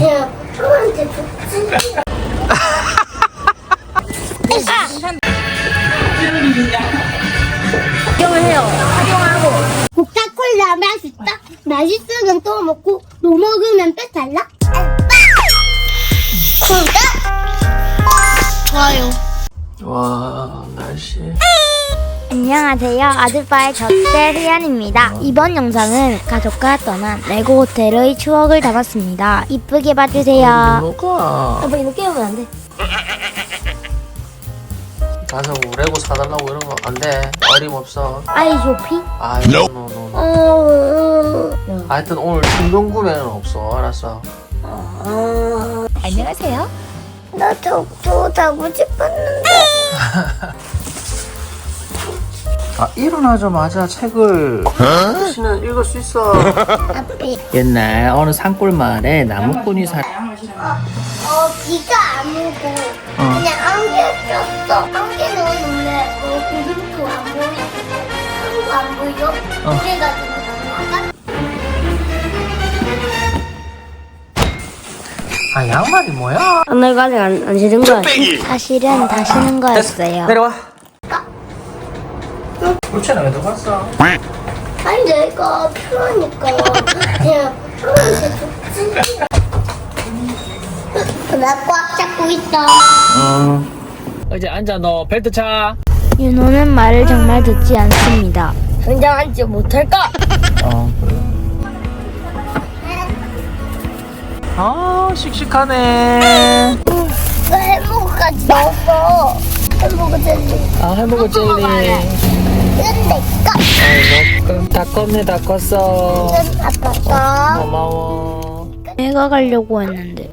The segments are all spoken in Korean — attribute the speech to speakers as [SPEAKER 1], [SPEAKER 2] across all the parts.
[SPEAKER 1] 그냥 형한테 줬지.
[SPEAKER 2] 활용을 해요. 활용하고.
[SPEAKER 1] 코카콜라 맛있다. 맛있으면 또 먹고 또 먹으면 배탈나. 구독. 좋아요.
[SPEAKER 3] 와 날씨.
[SPEAKER 2] 안녕하세요. 아들바의 젖대 희연입니다. 이번 영상은 가족과 떠난 레고 호텔의 추억을 담았습니다. 이쁘게 봐주세요.
[SPEAKER 3] 뭐가?
[SPEAKER 2] 아빠 이거 깨우면 안 돼.
[SPEAKER 3] 가서 뭐 레고 사달라고 이런 거 안 돼. 어림없어.
[SPEAKER 2] 아이 쇼핑?
[SPEAKER 3] 아이 노노노. 하여튼 오늘 충동 구매는 없어. 알았어.
[SPEAKER 2] 안녕하세요.
[SPEAKER 1] 나 족도 자고 싶었는데.
[SPEAKER 3] 아 일어나자마자 책을 아저씨는 읽을 수 있어.
[SPEAKER 1] 앞에.
[SPEAKER 3] 옛날 어느 산골 마을에 나무꾼이
[SPEAKER 1] 비가 안 오고 그냥 안개 꼈어. 안개는 원래 구름도 안 보이고 하루도 안 보여. 그래가지고
[SPEAKER 3] 아 양말이 뭐야?
[SPEAKER 2] 오늘 아직 안 신은 거야. 사실은 다 신은 거였어요.
[SPEAKER 3] 내려와. 그렇잖아 왜 들어갔어?
[SPEAKER 1] 아니 내가 필요하니까 그냥 형한테 줬지. 나 꽉 잡고 있다.
[SPEAKER 3] 이제 앉아 너 벨트 차.
[SPEAKER 2] 윤호는 말을 정말 듣지 않습니다. 당장 앉지 못할까?
[SPEAKER 3] 그래. 아 씩씩하네.
[SPEAKER 1] 나 햄버거까지 넣었어. 햄버거 젤리.
[SPEAKER 3] 아 햄버거 젤리.
[SPEAKER 1] 이건 내 거.
[SPEAKER 3] 그럼 다 컸네 다 컸어.
[SPEAKER 1] 이건 아빠 거.
[SPEAKER 3] 고마워.
[SPEAKER 2] 내가 가려고 했는데.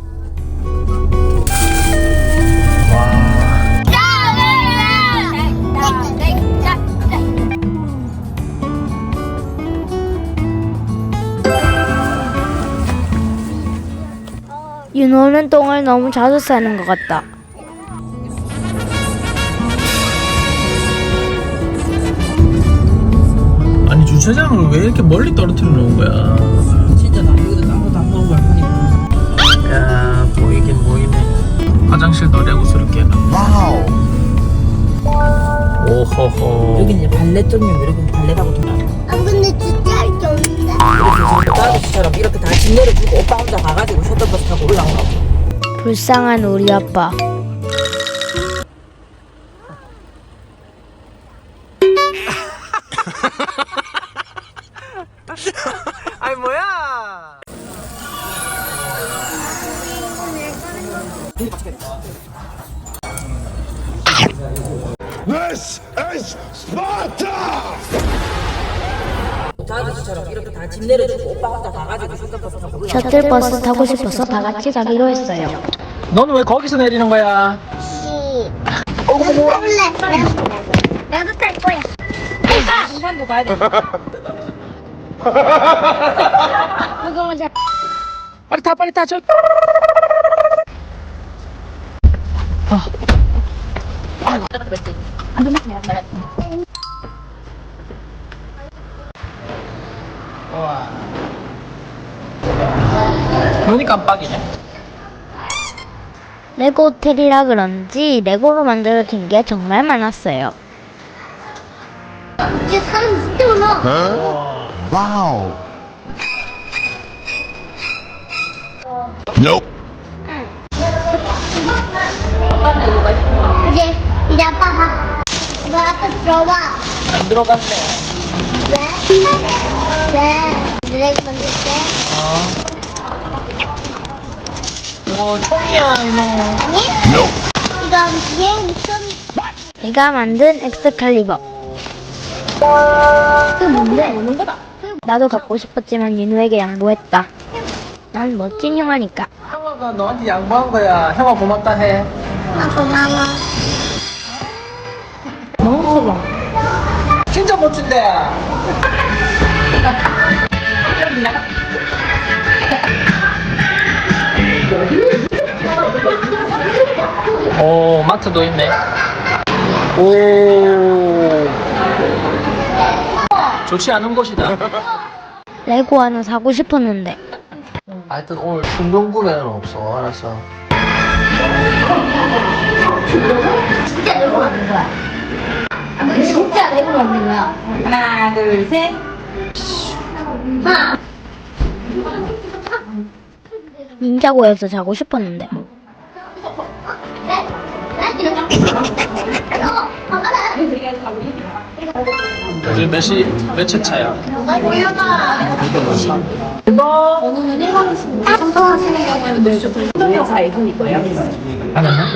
[SPEAKER 2] 윤호는 똥을 너무 자주 싸는 것 같다.
[SPEAKER 3] 아니 주차장을 왜 이렇게 멀리 떨어뜨려 놓은 거야?
[SPEAKER 4] 진짜 나 여기다 아무도 안 먹은 걸 보니까
[SPEAKER 3] 야 보이긴 보이네. 화장실도 레고스럽게 해놨네. 와우. 오호호.
[SPEAKER 4] 여기는 이제 발레 전용, 여기는 발레라고 좀 알아.
[SPEAKER 1] 아 근데 진짜 할 게 없는데.
[SPEAKER 4] 그래서 지금 아저씨처럼 이렇게 다 짐 내려주고 오빠 혼자 가가지고 셔틀버스 타고 올라온 거.
[SPEAKER 2] 불쌍한 우리 아빠.
[SPEAKER 3] 아니 뭐야?
[SPEAKER 5] This is Sparta!
[SPEAKER 4] 저 아저씨처럼 이렇게 다 짐 내려주고 오빠 혼자 가가지고 셔틀버스 타고 올라온 거.
[SPEAKER 2] 셔틀버스 타고 싶어서 다 같이 가기로 했어요.
[SPEAKER 3] 너는 왜 거기서 내리는 거야?
[SPEAKER 1] 몰래. 나도 탈 거야.
[SPEAKER 4] 등산도 가야 돼.
[SPEAKER 1] 그거 먼저.
[SPEAKER 3] 빨리 타 빨리 타 저. 와. 눈이 깜빡이네.
[SPEAKER 2] 레고 호텔이라 그런지 레고로 만들어진 게 정말 많았어요.
[SPEAKER 1] 이제 사람 진짜 많아.
[SPEAKER 5] Wow. Nope.
[SPEAKER 1] 이제 아빠 봐. 아빠 들어와.
[SPEAKER 3] 안 들어갔네.
[SPEAKER 1] 왜? 드래그 만들게.
[SPEAKER 3] 이거 총이야 이놈.
[SPEAKER 1] 아니?
[SPEAKER 5] Nope.
[SPEAKER 1] 이건 비행기 좀.
[SPEAKER 2] 내가 만든 엑스칼리버.
[SPEAKER 1] 그 뭔데? 오는 거다.
[SPEAKER 2] 나도 갖고 싶었지만 윤우에게 양보했다. 난 멋진 형아니까.
[SPEAKER 3] 형아가 너한테 양보한 거야. 형아 고맙다 해.
[SPEAKER 1] 아 고마워.
[SPEAKER 2] 너무 커봐.
[SPEAKER 3] 진짜 멋진데. 오 마트도 있네. 오 좋지 않은 곳이다.
[SPEAKER 2] 레고 하나 사고 싶었는데
[SPEAKER 3] 하여튼 오늘 충동 구매는 없어. 알았어.
[SPEAKER 2] 진짜 내고 만든 거야. 아, 근데 진짜 내고 만든 거야.
[SPEAKER 4] 하나, 둘, 셋.
[SPEAKER 2] 닌자고에서 자고 싶었는데.
[SPEAKER 3] 요즘 몇째 차야? 하나냐?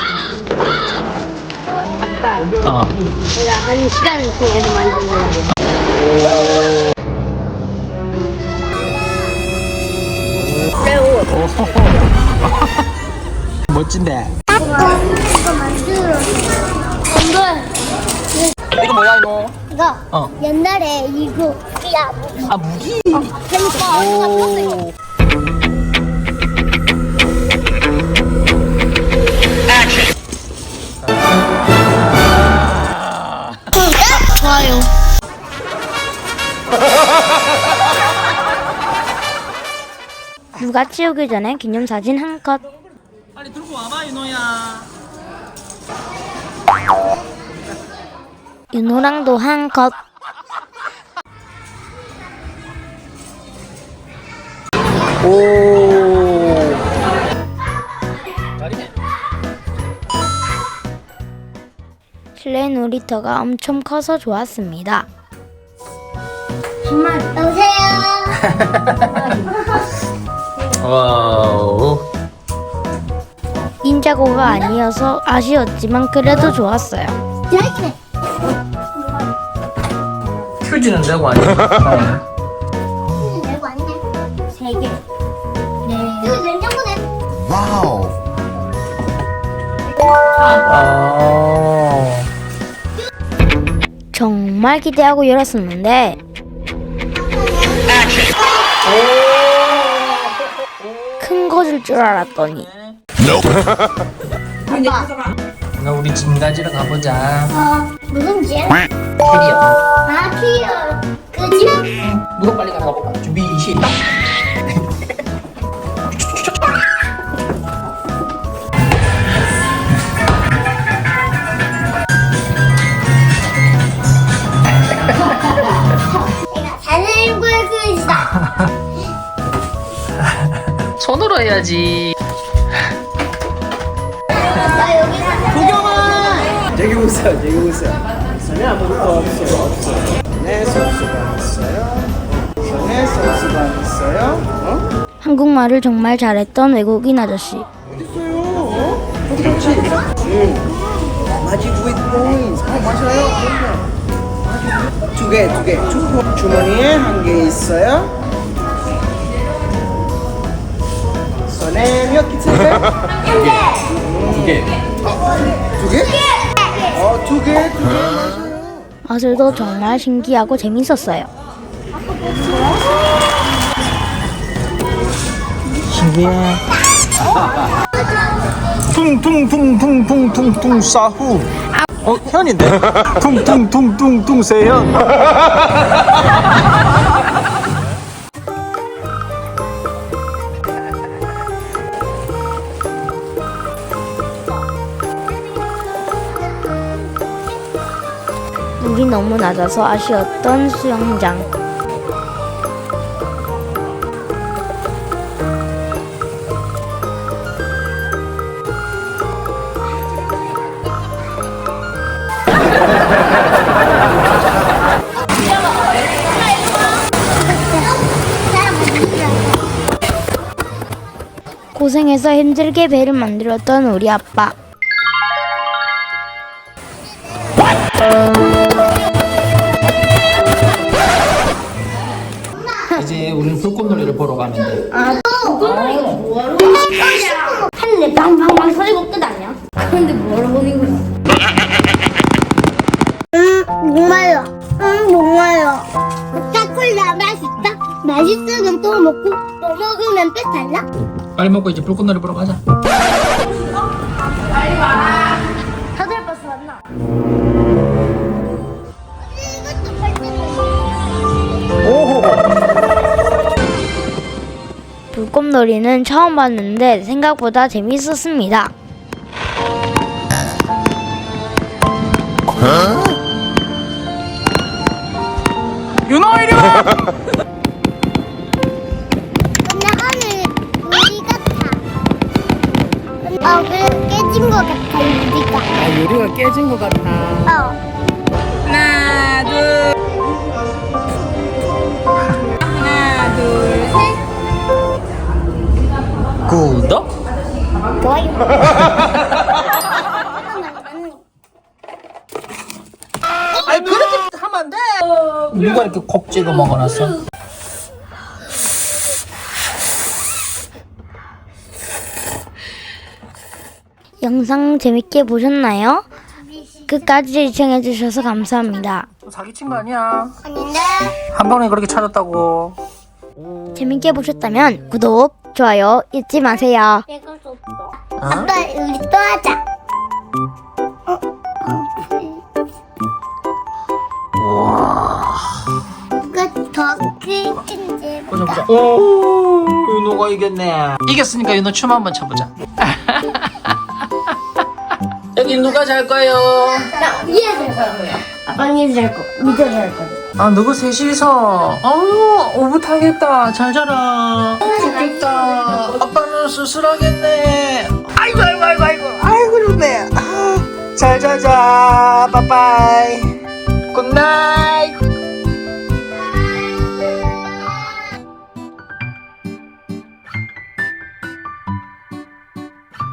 [SPEAKER 3] 어.
[SPEAKER 2] 내가 한 시간 동안에서 만든 거야.
[SPEAKER 3] 멋진데.
[SPEAKER 1] 이거 만들어.
[SPEAKER 3] 이거 뭐야 이거?
[SPEAKER 1] 이거
[SPEAKER 3] 어.
[SPEAKER 1] 옛날에 이거 야
[SPEAKER 3] 아 무기.
[SPEAKER 1] 그러니까 언니가 떴어요. 좋아요.
[SPEAKER 2] 육아 치우기 전에 기념사진 한 컷.
[SPEAKER 3] 빨리 들고 와봐 윤호야.
[SPEAKER 2] 윤호랑도 한 컷.
[SPEAKER 3] 오. 잘이네.
[SPEAKER 2] 실내 놀이터가 엄청 커서 좋았습니다.
[SPEAKER 1] 정말 오세요.
[SPEAKER 3] 와우.
[SPEAKER 2] 닌자고가 아니어서 아쉬웠지만 그래도 좋았어요.
[SPEAKER 1] 잘했네.
[SPEAKER 3] 휴지는 되고 아니야?
[SPEAKER 1] 내고 왔네.
[SPEAKER 2] 3개. 네.
[SPEAKER 1] 이거 냉장고네.
[SPEAKER 5] Wow.
[SPEAKER 3] 아.
[SPEAKER 2] 정말 기대하고 열었었는데 큰 거줄 줄 알았더니
[SPEAKER 3] 나 우리 짐 가지러 가보자.
[SPEAKER 1] 무슨 집?
[SPEAKER 3] 캐리어.
[SPEAKER 1] 아 키요. 그 집?
[SPEAKER 3] 누가 빨리 가서 가볼까? 준비 시작.
[SPEAKER 1] 내가 자전거의 그릇이다.
[SPEAKER 3] 손으로 해야지.
[SPEAKER 1] 나 여기서
[SPEAKER 6] 저기 보세요, 저기 보세요. 손에 아무것도 없어요. 손에 선수가 있어요. 손에 선수가 있어요.
[SPEAKER 2] 한국말을 정말 잘했던 외국인 아저씨.
[SPEAKER 6] 어딨어요? 그렇지. Magic with coins. 맞아요. 그럼요. 두 개. 주머니에 한 개 있어요. 손에 몇 개 있어요?
[SPEAKER 3] 두 개.
[SPEAKER 6] 두 개? 두 개, 맞아요.
[SPEAKER 2] 마술도 정말 신기하고 재밌었어요.
[SPEAKER 3] 신기해. 퉁퉁퉁퉁퉁퉁퉁 사후. 현인데? 퉁퉁퉁퉁퉁 세현.
[SPEAKER 2] 물이 너무 낮아서 아쉬웠던 수영장. 고생해서 힘들게 배를 만들었던 우리 아빠.
[SPEAKER 3] 이제 우리는 불꽃놀이를 보러 가면 돼.
[SPEAKER 2] 하는데 빵빵빵 터지고 끝 아니야? 그런데 뭐하러 보는 거야?
[SPEAKER 1] 목말라. 목말라. 코카콜라 맛있다. 맛있으면 또 먹고 또 먹으면 배탈나?
[SPEAKER 3] 빨리 먹고 이제 불꽃놀이 보러 가자.
[SPEAKER 2] 다들 버스 왔나?
[SPEAKER 1] 이것도 발전해.
[SPEAKER 3] 오호.
[SPEAKER 7] 물곰놀이는 처음 봤는데 생각보다 재밌었습니다.
[SPEAKER 3] 윤호 이리 와.
[SPEAKER 1] 근데 하늘 유리 같아. 그래 깨진 것 같아 유리가.
[SPEAKER 4] 아, 유리가 깨진 것 같아. 하나, 둘. 하나, 둘, 셋.
[SPEAKER 3] 구독.
[SPEAKER 4] 아니, 그렇게 하면 안 돼.
[SPEAKER 3] 누가 이렇게 콕 찍어 먹어놨어?
[SPEAKER 7] 영상 재밌게 보셨나요? 끝까지 시청해주셔서 감사합니다.
[SPEAKER 3] 사기친 거 아니야?
[SPEAKER 1] 아닌데.
[SPEAKER 3] 한 번에 그렇게 찾았다고.
[SPEAKER 7] 재밌게 보셨다면 구독, 좋아요 잊지 마세요.
[SPEAKER 1] 내가 줬어. 아빠 우리 또 하자. 누가 더 크긴지
[SPEAKER 3] 보자 보자. 오, 윤호가 이겼네. 이겼으니까 윤호 춤 한번 춰보자. 여기 누가 잘 거예요?
[SPEAKER 1] 위에 잘 거야. 아빠 위에 잘 거, 밑에 잘 거.
[SPEAKER 3] 아, 누구 셋이서? 오붓하겠다. 잘 자라. 좋겠다. 아빠는 쓸쓸하겠네. 아이고, 아이고, 아이고, 아이고. 아이고, 좋네. 잘 자자. 빠빠이. 굿나잇.